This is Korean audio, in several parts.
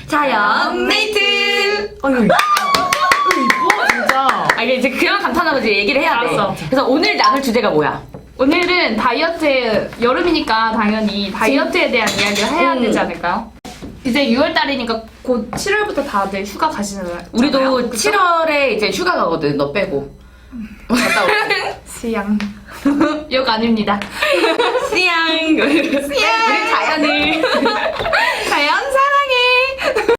자연 메이트. 아유 이뻐 진짜. 아 이게 이제 그런 감탄하고 이제 얘기를 해야 돼. 알았어. 그래서 오늘 나눌 주제가 뭐야? 오늘은 다이어트, 여름이니까 당연히 다이어트에 대한 이야기를 해야 되지 않을까요? 이제 6월달이니까 곧 7월부터 다들 휴가 가시잖아요. 우리도 그쵸? 7월에 이제 휴가 가거든. 너 빼고. 갔다 올게. 시양. 욕 아닙니다. 씨양. 우리 자연을. 자연 사랑해.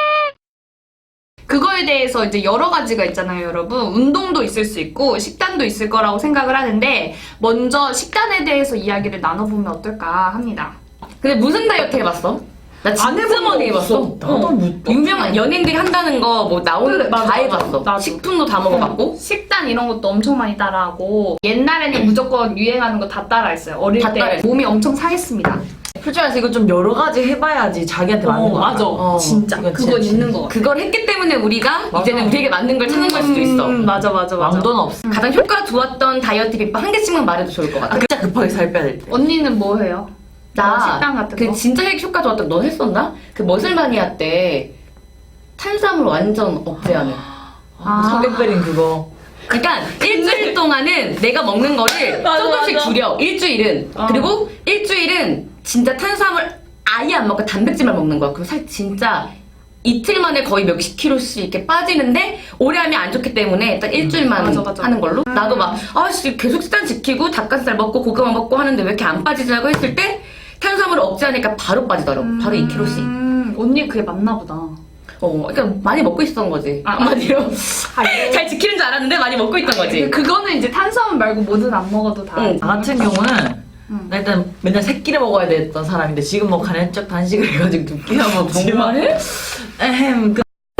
그거에 대해서 이제 여러 가지가 있잖아요, 여러분. 운동도 있을 수 있고 식단도 있을 거라고 생각을 하는데 먼저 식단에 대해서 이야기를 나눠보면 어떨까 합니다. 근데 무슨 다이어트 해봤어? 나 진짜 해본 많이 거 해봤어. 없어. 나도 못 봤어. 유명한 연예인들이 한다는 거 뭐 나오는 그래, 거 다 맞아, 해봤어. 나도. 식품도 다 먹어봤고. 식단 이런 것도 엄청 많이 따라하고 옛날에는 무조건 유행하는 거 다 따라했어요. 어릴 다 때 따라했어. 몸이 엄청 상했습니다. 솔직히 말해서 이거 좀 여러 가지 해봐야지 자기한테 맞는 거 맞아. 같아. 진짜. 이건 그건 진짜 있는 거 같아. 그걸 했기 때문에 우리가 맞아. 이제는 우리에게 맞는 걸 찾는 걸 수도 있어. 맞아. 왕도는 없어. 가장 효과 좋았던 다이어트 비법 한 개씩만 말해도 좋을 것 같아. 진짜 급하게 살 빼야 될 때. 언니는 뭐 해요? 나 식단 같은 그 거? 진짜 효과 좋았던 너 했었나? 그 머슬마니아 때 탄수화물 완전 억제하는. 성격배린 그거. 그러니까 일주일 동안은 내가 먹는 거를 맞아, 조금씩 맞아. 줄여. 일주일은. 그리고 일주일은 진짜 탄수화물 아예 안 먹고 단백질만 먹는 거야. 그럼 살 진짜 이틀 만에 거의 몇십 킬로씩 이렇게 빠지는데 오래 하면 안 좋기 때문에 딱 일주일만 맞아. 하는 걸로. 나도 막 아씨 계속 식단 지키고 닭가슴살 먹고 고구마 먹고 하는데 왜 이렇게 안 빠지자고 했을 때 탄수화물을 억제하니까 바로 빠지더라고. 바로 2kg씩. 언니 그게 맞나 보다. 그러니까 많이 먹고 있었던 거지. 한마디로. 잘 지키는 줄 알았는데 많이 먹고 있던 거지. 그거는 이제 탄수화물 말고 뭐든 안 먹어도 다. 응. 나 같은 경우는 나 일단 맨날 새끼를 먹어야 됐던 사람인데 지금 뭐 간헐적 단식을 해가지고 두 끼나 먹지만 정말? 에헴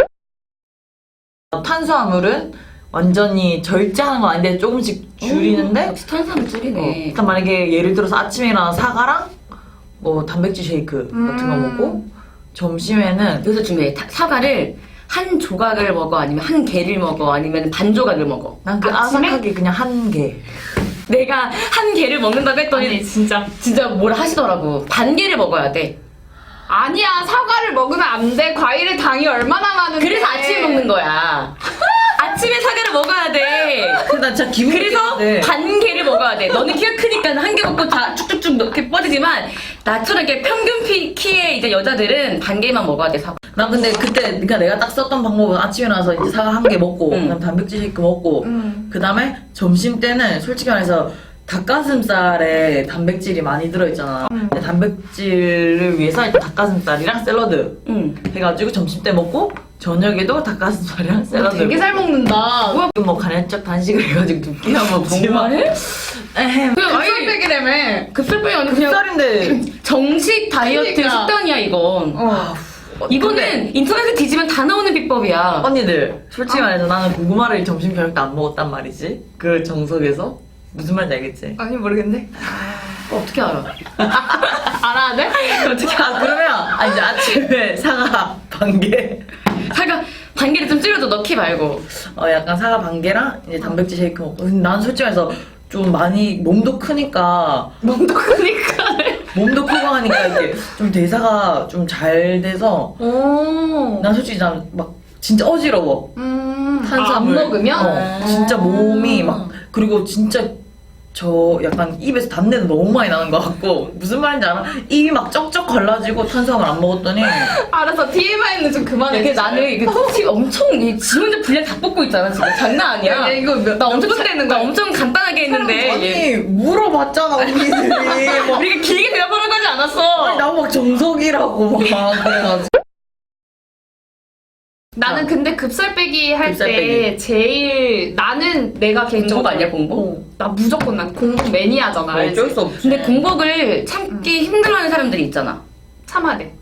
탄수화물은 완전히 절제하는 건 아닌데 조금씩 줄이는데 역시 탄수화물 줄이네. 일단 만약에 예를 들어서 아침에 일어나 사과랑 뭐 단백질 쉐이크 같은 거 먹고 점심에는 그래서 중요해. 사과를 한 조각을 먹어 아니면 한 개를 먹어 아니면 반 조각을 먹어. 난 그 아침에? 아삭하게 그냥 한 개. 내가 한 개를 먹는다고 했더니 아니 진짜. 진짜 뭐라 하시더라고. 반 개를 먹어야 돼. 아니야 사과를 먹으면 안 돼. 과일에 당이 얼마나 많은데. 그래서 아침에 먹는 거야. 아침에 사과를 먹어야 돼. 나 진짜 기분 그래서 반 개를 먹어야 돼. 너는 키가 크니까 한 개 먹고 다 쭉쭉쭉 이렇게 뻗지만 나처럼 이렇게 평균 키의 이제 여자들은 반 개만 먹어야 돼 사과. 난 근데 그때 그러니까 내가 딱 썼던 방법은 아침에 나와서 이제 사과 한 개 먹고 그다음 단백질 쉐이크 먹고 그다음에 점심 때는 솔직히 말해서 닭가슴살에 단백질이 많이 들어있잖아. 근데 단백질을 위해서 일단 닭가슴살이랑 샐러드 해가지고 점심 때 먹고 저녁에도 닭가슴살이랑 샐러드. 되게 잘 먹는다. 뭐 간헐적 단식을 해가지고 두 끼나 먹지만 에헴. 급살빼기라며. 급살빼기 아니고 그냥 쌀인데 정식 다이어트 그러니까. 식단이야 이건. 이거는 인터넷에 뒤지면 다 나오는 비법이야. 언니들 솔직히 말해서 나는 고구마를 점심 저녁 때 안 먹었단 말이지. 그 정석에서 무슨 말인지 알겠지? 아니 모르겠네. 어떻게 알아? 알아야 돼? 어떻게 그러면 이제 아침에 사과 반개 사과 반 개를 좀 줄여도 넣기 말고. 약간 사과 반개랑 이제 단백질 쉐이크 먹고. 근데 난 솔직히 말해서 좀 많이 몸도 크니까 몸도 크니까. 몸도 크고 하니까 이렇게 좀 대사가 좀 잘 돼서 난 솔직히 난 막 진짜 어지러워. 탄수화물 안 먹으면? 진짜 몸이 막 그리고 진짜 저 약간 입에서 담내도 너무 많이 나는 것 같고 무슨 말인지 알아? 입이 막 쩍쩍 갈라지고 탄수화물 안 먹었더니 알았어 TMI는 좀 그만해. 이게 나는 이게 티 엄청 지 혼자 분량 다 뽑고 있잖아 지금. 장난 아니야. 야, 이거 나 엄청 되는 나 거야? 엄청 간단하게 했는데 아니 물어봤잖아 언니들이 막 우리가 길게 대답하라고 하지 않았어. 나막 정석이라고 막 그래가지고 나는 근데 급살빼기 할 때 급살빼기. 제일 나는 내가 개인적으로 공복 아니야, 공복? 나 무조건 난 공복 매니아잖아. 알지? 어쩔 수 없지. 근데 공복을 참기 힘들어하는 사람들이 있잖아. 참아야 돼.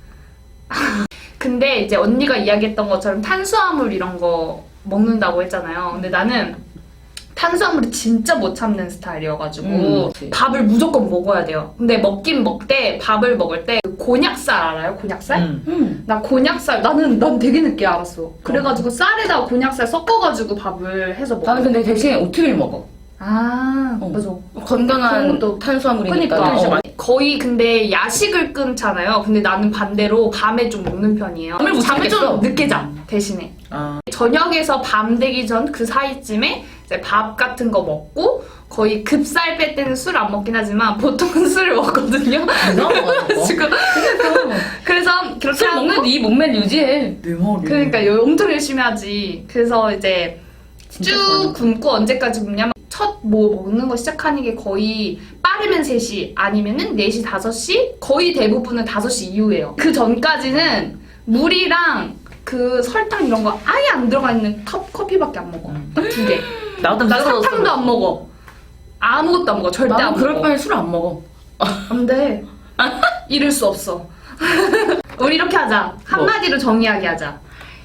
근데 이제 언니가 이야기했던 것처럼 탄수화물 이런 거 먹는다고 했잖아요. 근데 나는 탄수화물을 진짜 못 참는 스타일이어가지고 밥을 무조건 먹어야 돼요. 근데 먹긴 먹되 밥을 먹을 때 곤약살 알아요? 곤약살? 나 곤약살 난 되게 늦게 알았어. 그래가지고 쌀에다가 곤약살 섞어가지고 밥을 해서 먹어. 나는 근데 대신 오트밀 먹어. 아, 어. 맞아. 건강한 그런 것도 탄수화물이니까. 그러니까 어. 거의 근데 야식을 끊잖아요. 근데 나는 반대로 밤에 좀 먹는 편이에요. 잠을 못 잠을 자겠어. 좀 늦게 자 대신에. 아, 저녁에서 밤 되기 전 그 사이쯤에 이제 밥 같은 거 먹고 거의 급살 뺄 때는 술 안 먹긴 하지만 보통은 술을 먹거든요. 지금 그래서 그렇게 술 하고 먹는 네 몸매를 유지해. 내 머리. 그러니까 엄청 열심히 하지. 그래서 이제 진짜 쭉 좋아하는 굶고 언제까지 굶냐면 첫 뭐 먹는 거 시작하는 게 거의 빠르면 3시 아니면은 4시 5시 거의 대부분은 5시 이후예요. 그 전까지는 물이랑 그 설탕 이런 거 아예 안 들어가 있는 커피밖에 안 먹어. 딱 2개. 나도 나 사탕도 안 먹어. 아무것도 안 먹어. 절대 나도 안 그럴 먹어. 바에 술 안 먹어. 안 돼. 이럴 수 없어. 우리 이렇게 하자. 한마디로 정의하게 하자.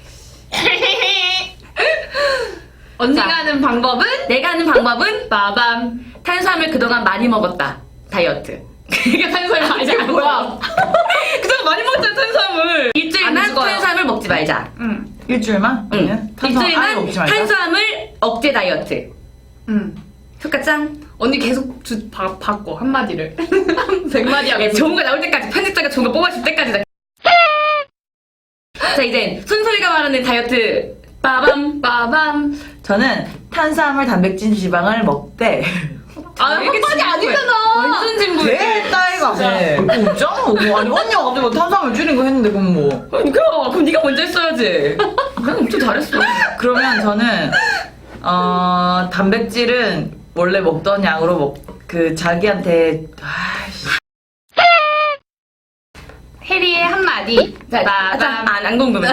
언니가 자. 하는 방법은 내가 하는 방법은 빠밤. 탄수화물 그동안 많이 먹었다. 다이어트. 그게 탄수화물 많이 이게 뭐야? 먹어. 그동안 많이 먹었잖아 탄수화물. 안 일주일만 죽어요. 탄수화물 먹지 말자. 응. 일주일만? 응. 아니면 탄수화물 아예 먹지 일주일만 말자. 탄수화물 억제 다이어트. 응. 효과 짱. 언니 계속 바꿔 한마디를. 100마디 하고. 야, 좋은 거 나올 때까지 편집자가 좋은 거 뽑아줄 때까지. 자 이제 손소리가 말하는 다이어트. 빠밤. 빠밤. 저는 탄수화물, 단백질, 지방을 먹되 아, 한마디 아니잖아. 완전 진부해. 왜 따위가 돼? 그거 없잖아. 뭐, 아니 언니가 갑자기 뭐 탄수화물 줄인 거 했는데 그럼 뭐. 그럼 네가 먼저 했어야지. 난 엄청 잘했어. 그러면 저는 단백질은 원래 먹던 양으로 그 자기한테 아이씨. 해리의 한마디. 빠밤. 안 궁금해.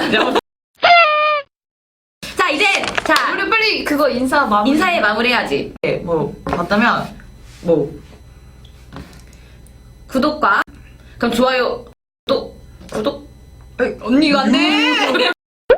자 이제 자 우리 빨리 그거 인사 마무리. 인사에 마무리해야지. 뭐 봤다면 뭐 구독과 그럼 좋아요 또 구독 언니가 안 돼.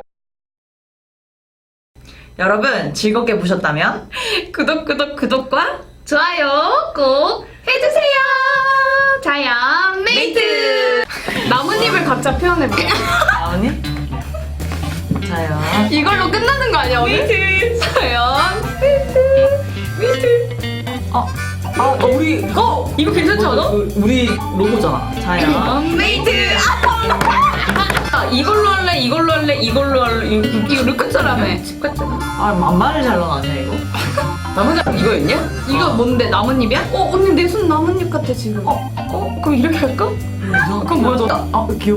여러분 즐겁게 보셨다면 구독과 좋아요 꼭 해주세요. 자연 메이트. 나뭇잎을 각자 표현해볼게요. 나오니? 자요. 이걸로 끝나는 거 아니야 오늘? 메이트 자연 우리 이거 괜찮지 않아? 우리 로고잖아. 자요. 메이트 이걸로 할래 이걸로 끝자라며 집 같잖아. 아 만만을 잘 나왔네 이거. 나머지 이거였냐? 이거 뭔데 나뭇잎이야? 언니 내 손 나뭇잎 같아 지금. 그럼 이렇게 할까? 그럼 뭐야 너? 귀여워.